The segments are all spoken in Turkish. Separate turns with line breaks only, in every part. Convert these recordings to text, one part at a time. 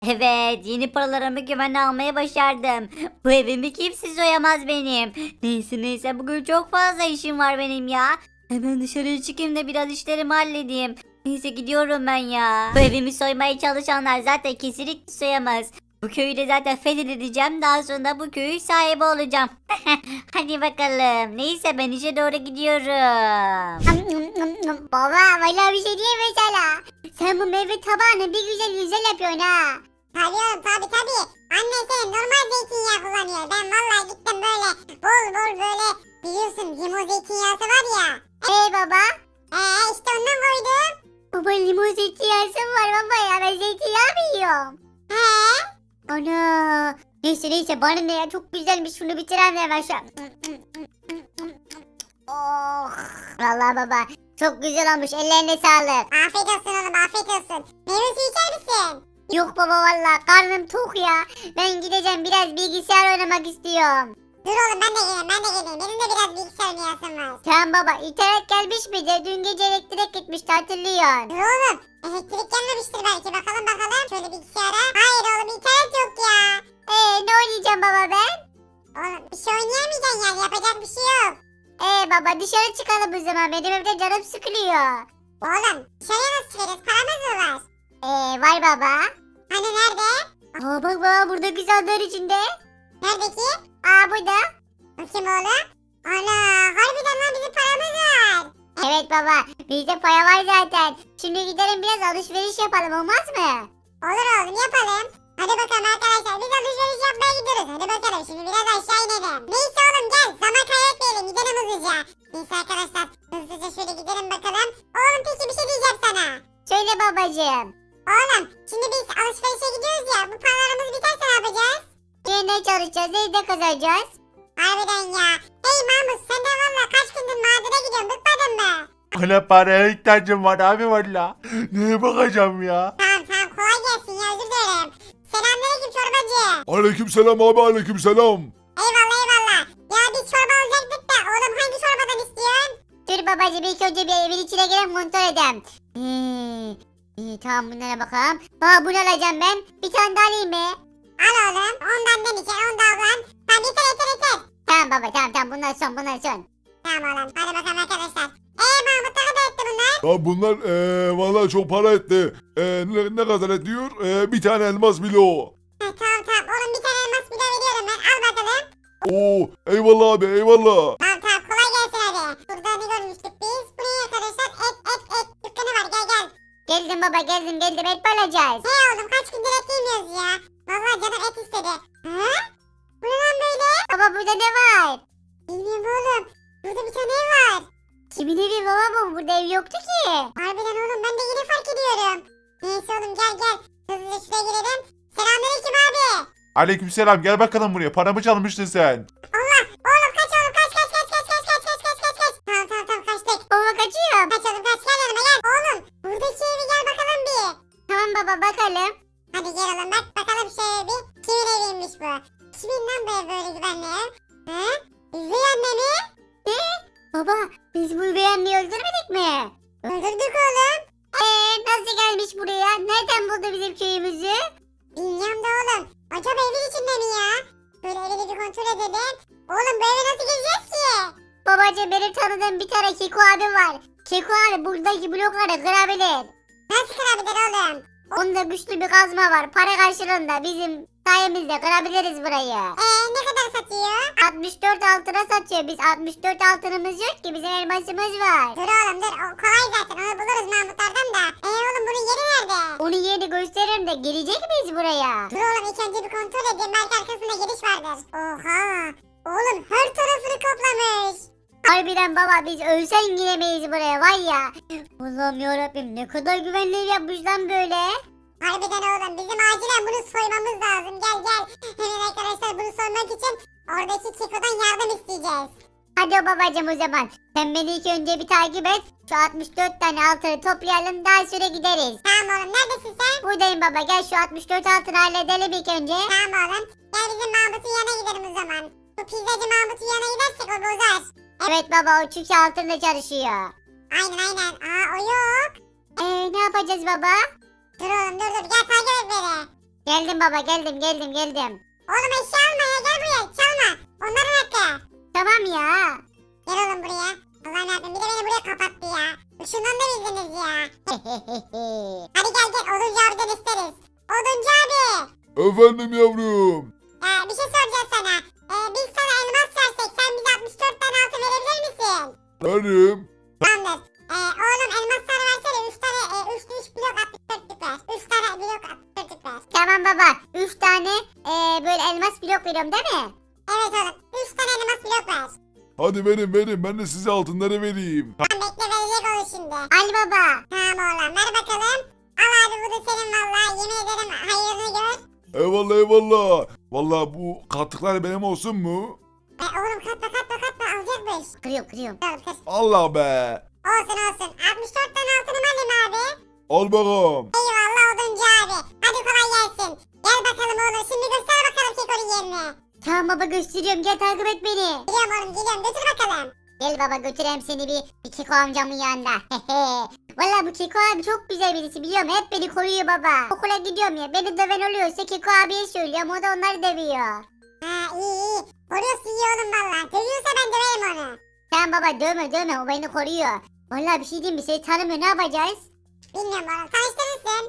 Evet, yeni paralarımı güvenle almayı başardım. Bu evimi kimse soyamaz benim. Neyse bugün çok fazla işim var benim ya. Hemen dışarıya çıkayım da biraz işlerimi halledeyim. Neyse gidiyorum ben ya. Bu evimi soymaya çalışanlar zaten kesinlikle soyamaz. Bu köyü de zaten fethedeceğim. Daha sonra bu köyün sahibi olacağım. Hadi bakalım. Neyse ben işe doğru gidiyorum.
Baba valla bir şey diyeyim mi sana? Sen bu meyve tabağını bir güzel yapıyorsun ha.
Tabii oğlum tabii. Anne senin normal zeytinyağı kullanıyor. Ben vallahi gittim böyle bol böyle biliyorsun limon zeytinyağısı var ya.
Baba?
İşte ondan koydum.
Baba limon zeytinyağı var baba ya, ben zeytinyağı mı yiyorum?
He?
Ana. Neyse bana ne ya, çok güzelmiş, şunu bitirelim de hemen şu an. Oh. Vallahi baba çok güzel olmuş, ellerine sağlık.
Afiyet olsun oğlum afiyet olsun. Meyve suyu içer misin?
Yok baba vallahi karnım tok ya. Ben gideceğim, biraz bilgisayar oynamak istiyorum.
Dur oğlum ben de geleyim. Benim de biraz bilgisayar oynayasım var.
Tamam baba, internet gelmiş miydi? Dün gece elektrik gitmişti, hatırlıyorsun.
Dur oğlum. Elektrik gelmemiştir belki. Bakalım. Şöyle bilgisayara. Hayır oğlum internet yok ya.
Ne oynayacağım baba ben?
Oğlum bir şey oynayamayacaksın yani. Yapacak bir şey yok.
Baba dışarı çıkalım o zaman, benim evde canım sıkılıyor.
Oğlum dışarıya nasıl çıkarız? Paramız mı var?
Var baba.
Hani nerede?
Bak baba, burada güzeller içinde.
Nerede ki?
Burada.
Bakayım oğlum. Ana harbiden lan bizim paramız var.
Evet baba, bizde paya var zaten. Şimdi gidelim biraz alışveriş yapalım, olmaz mı?
Olur oğlum yapalım. Hadi bakalım arkadaşlar biz alışveriş yapmaya gidiyoruz. Hadi bakalım şimdi biraz aşağı inelim. Neyse oğlum gel zaman kaybetmeyelim gidelim hızlıca. Neyse arkadaşlar hızlıca şöyle gidelim bakalım. Oğlum peki bir şey diyeceğim sana.
Söyle babacığım.
Oğlum şimdi biz alışverişe gidiyoruz ya bu paralarımız biterse ne yapacağız?
Yine çalışacağız, evde kazanacağız.
Harbiden ya. Hey Mahmut sen de valla kaç gündür madene gidiyorsun bıkmadın mı?
Bana paraya ihtiyacım var abi valla. Neye bakacağım ya?
Tamam kolay gelsin ya özür dilerim. Selamünaleyküm çorbacı.
Aleykümselam abi aleykümselam.
Eyvallah. Ya biz çorba alacaktık da oğlum hangi çorbadan istiyorsun?
Dur babacığım, ilk önce bir evin içine girelim, kontrol edelim. Tamam, bunlara bakalım. Bunu alacağım ben. Bir tane daha alayım mı?
Al oğlum ondan demeyeceksin ondan ablan. Tamam yeter.
Tamam baba, tamam, bunlar son.
Tamam oğlum hadi bakalım arkadaşlar. Mahmut ne kadar etti bunlar?
Ya bunlar valla çok para etti. Ne kadar ediyor? Bir tane elmas bile o.
Tamam oğlum bir tane elmas bile veriyorum ben al bakalım.
Oo eyvallah abi eyvallah.
Tamam kolay gelsin hadi. Burada ne görmüştük biz? Bu ne arkadaşlar? Et dükkanı var gel.
Geldim baba, geldim, et alacağız.
Oğlum kaç gündür et yemiyoruz ya. Vallahi canım et istedi. Hı? Bu ne lan böyle?
Baba burada ne var?
Bilmiyorum oğlum. Burada bir tane ev var.
Kimin evi baba bu? Burada ev yoktu ki.
Harbiden oğlum ben de yeni fark ediyorum. Neyse oğlum gel. Hızlıca şuraya girelim. Selamünaleyküm abi.
Aleykümselam gel bakalım buraya. Paramı çalmıştın sen.
Oğlum kaç oğlum kaç. Tamam kaçtık.
Baba kaçıyorum.
Kaç oğlum kaç gel yanıma gel. Oğlum buradaki evi gel bakalım bir.
Tamam baba, bakalım.
Hadi gel oğlum bak bakalım şöyle bir. Kimin eviymiş bu? Kimin lan bu ev böyle güvenli ev? Hı? Üvey anne mi?
Baba biz bu üvey anneyi öldürmedik mi?
Öldürdük oğlum.
Nasıl gelmiş buraya? Nereden buldu bizim köyümüzü?
Bilmiyorum da oğlum. Acaba evin içinde mi ya? Böyle evi de bir kontrol edelim. Oğlum bu eve nasıl gireceğiz ki?
Babacığım, benim tanıdığım bir tane Keko abi var. Keko abi buradaki blokları kırabilir.
Nasıl kırabilir oğlum?
Onda güçlü bir kazma var. Para karşılığında bizim sayemizde kırabiliriz burayı.
Ne kadar satıyor?
64 altına satıyor. Biz 64 altınımız yok ki. Bizim elmasımız var.
Dur oğlum dur. O kolay zaten. Onu buluruz Mahmutlardan da. Oğlum bunun yeri nerede?
Onu yeni gösteririm de gelecek miyiz buraya?
Dur oğlum ilk önce bir kontrol edeyim. Belki arkasında giriş vardır. Oha. Oğlum her tarafını kaplamış.
Harbiden baba, biz ölsen giremeyiz buraya var ya. Allah'ım yarabbim, ne kadar güvenli ev yapmış lan böyle.
Harbiden oğlum bizim acilen bunu soymamız lazım. Gel. Hemen arkadaşlar bunu soymak için oradaki Kiko'dan yardım isteyeceğiz.
Hadi babacığım o zaman. Sen beni ilk önce bir takip et. Şu 64 tane altını toplayalım, daha süre gideriz.
Tamam oğlum neredesin sen?
Buradayım baba, gel şu 64 altını halledelim ilk önce.
Tamam oğlum. Gel bizim Mahmut'un yanına gidelim o zaman. Bu pizzacı Mahmut'un yanına gidersek o bozar.
Evet baba, o çünkü altında çalışıyor.
Aynen. O yok.
Ne yapacağız baba?
Dur oğlum dur. Gel takip et beni.
Geldim baba geldim.
Oğlum eşya alma ya, gel buraya, çalma. Onların hakkı.
Tamam ya.
Gel oğlum buraya. Allah'ım yarabbim, bir de beni buraya kapattı ya. Işığından da bildiniz ya. Hadi gel Oduncu abiden isteriz. Oduncu abi.
Efendim yavrum.
Bir şey soracağız sana. Biz sana elmas versek sen bize 64 tane altın verebilir misin?
Benim.
Tamamdır. Oğlum elmasları versene 3 tane 3 blok 64'lük ver. 3 tane blok 64'lük ver.
Tamam baba. 3 tane böyle elmas blok veriyorum değil mi?
Evet oğlum 3 tane elmas blok ver.
Hadi verin. Ben de size altınları vereyim.
Tamam bekle, verecek onu şimdi.
Al baba.
Tamam oğlum ver bakalım. Al abi, bu da senin valla, yemin ederim hayırını gör.
Eyvallah. Vallahi bu katlıklar benim olsun mu?
Oğlum katma alacakmış.
Kırıyorum.
Dur kır.
Allah be.
Olsun 64 tane altınım alayım abi.
Al bakalım.
Eyvallah Oduncu abi. Hadi kolay gelsin. Gel bakalım oğlum, şimdi göster bakalım Keko'nun yerini.
Tamam baba gösteriyorum. Gel takip et beni.
Geliyorum oğlum, geliyorum, götür bakalım.
Gel baba götüreyim seni bir Keko amcamın yanında. Valla bu Keko abi çok güzel birisi biliyorum. Hep beni koruyor baba. Okula gidiyorum ya. Beni döven oluyorsa Keko abiye söylüyorum. O da onları dövüyor.
Ha iyi. Koruyorsun iyi oğlum valla. Dövüyorsa ben döverim onu.
Tamam baba dövme. O beni koruyor. Valla bir şey diyeyim mi? Seni tanımıyor. Ne yapacağız?
Bilmiyorum oğlum, tanıştırırsın.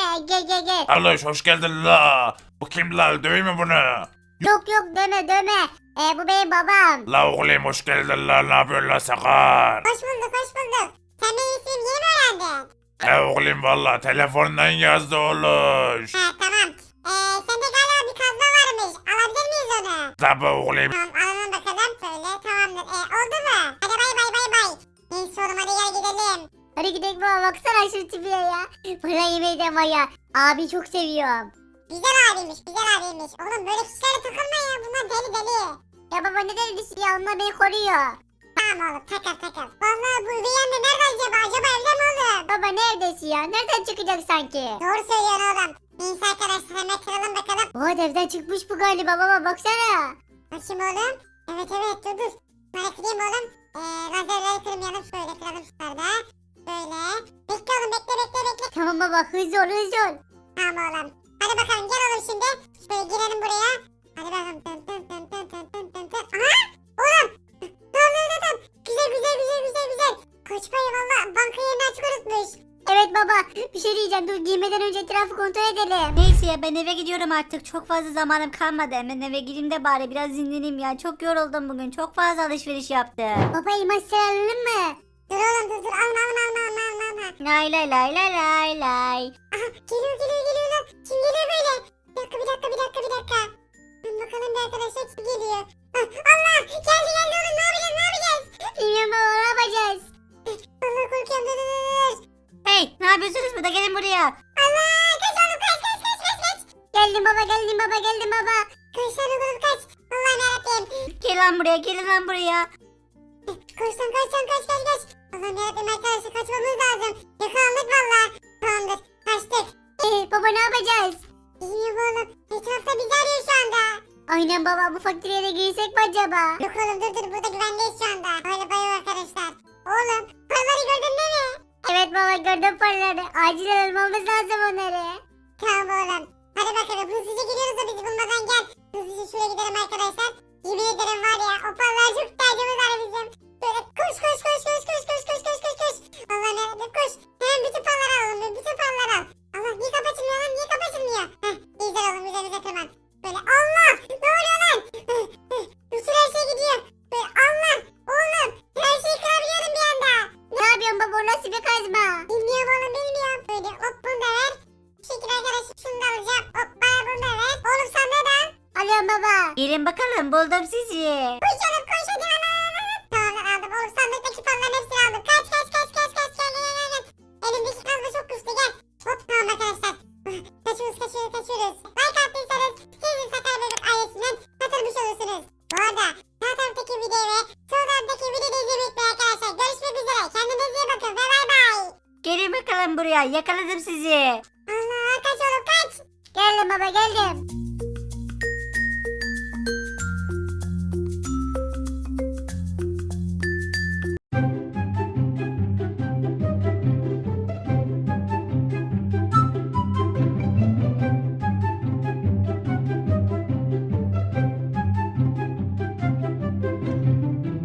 Gel.
Kardeş hoş geldin la. Bu kim la? Döveyim mi bunu?
Yok dövme. Bu benim babam.
La oğlum hoş geldin la. Ne yapıyorsun la sakar?
Hoş bulduk. Sen benim ismimi yeni mi öğrendin?
He oğlum valla telefondan yazdı oluş.
Ha tamam. Sende galiba bir kazma varmış. Alabilir miyiz onu?
Tabi oğlum.
Tamam alalım bakalım. Şöyle tamamdır. Oldu mu? Hadi bay. Neyse oğlum, hadi gel gidelim.
Hadi gidelim baba baksana şu tipine ya. Bana yemeğden var ya. Abi çok seviyorum.
Güzel abiymiş. Oğlum böyle kişilere takılma ya. Bunlar deli.
Ya baba ne delisi ya onlar beni koruyor.
Tamam oğlum, takıl. Vallahi bu üvey anne nerede acaba? Acaba evde mi oğlum?
Baba neredesin ya? Nereden çıkacak sanki?
Doğru söylüyorsun oğlum. Neyse arkadaşlar, hemen kıralım bakalım.
Bu evden çıkmış bu galiba baba baksana.
Bakayım oğlum. Evet dur. Bana kırayım oğlum. Lazerleri kırmayalım. Şöyle kıralım şunlarda. Böyle. Bekle oğlum, bekle.
Tamam baba hızlı ol.
Tamam oğlum. Hadi bakalım gel oğlum şimdi. Şöyle girelim buraya. Hadi bakalım. Dın. Aha! Oğlum! Tamam. Güzel. Koçbayı valla banka yerini açık unutmuş.
Evet baba bir şey diyeceğim dur giymeden önce etrafı kontrol edelim.
Neyse ya ben eve gidiyorum artık. Çok fazla zamanım kalmadı. Hemen eve gideyim de bari biraz dinleneyim ya. Çok yoruldum bugün. Çok fazla alışveriş yaptım.
Baba elmasları alalım mı?
Dur oğlum dur. Alma.
Lay.
Aha geliyor lan. Kim geliyor böyle? Bir dakika. Bakalım bir arkadaşlar kim geliyor? Allah! Geldi oğlum, ne yapacağız?
Bilmiyorum baba ne yapacağız?
Allah korkuyorum, dur.
Hey ne yapıyorsunuz burada? Gelin buraya.
Allah! Kaç oğlum kaç.
Geldim baba.
Kaç lan oğlum kaç. Allah'ım yarabbim.
Gelin lan buraya.
Kaç. Allah'ım yarabbim arkadaşlar, kaçmamız lazım. Yakalandık valla. Tamamdır, kaçtık.
Baba ne yapacağız?
Bilmiyorum oğlum. Etrafta bizi arıyor şu anda.
Aynen baba bu fakirliğe de girsek mi acaba?
Yok oğlum dur, burada güvendeyiz şu anda. Öyle bayıyor arkadaşlar. Oğlum paraları gördün değil mi?
Evet baba gördüm paraları. Acilen almamız lazım onları.
Tamam oğlum. Hadi bakalım hızlıca gidiyoruz da bizi bulmadan gel. Hızlıca şuraya gidelim arkadaşlar. Yemin ederim var ya, o paralara çok ihtiyacımız var bizim. Böyle koş. Allah'ım yarabbim koş. Hemen bütün paraları alalım. Allah niye kapatılmıyor? Heh güzel oğlum, güzel tamam. Böyle Allah ne oluyor lan? Bütün her şey gidiyor. Böyle Allah oğlum her şeyi kırabiliyorum bir anda.
Ne yapıyorsun baba o nasıl bir kazma?
Bilmiyorum oğlum bilmiyorum. Böyle hop bunu da ver. Bu şekilde arkadaşlar şunu da alacağım. Hop bana bunu da ver. Oğlum sen ne da?
Alıyorum baba.
Gelin bakalım buldum sizi.
Koş oğlum koş hadi al. Tamam aldım oğlum, sandıktaki paraların hepsini aldım. Kaç. Gel. Elimdeki kazma çok güçlü gel. Hop tamam arkadaşlar. Kaçıyoruz. Like attıysanız siz de Sakar Bebek ailesinden katılmış olursunuz. Bu arada sağ taraftaki videoyu ve sol taraftaki videoyu izlemeyi unutmayın arkadaşlar. Görüşmek üzere. Kendinize iyi bakın ve bay bay.
Gelin bakalım buraya. Yakaladım sizi.
Allah kaç oğlum kaç.
Geldim baba geldim.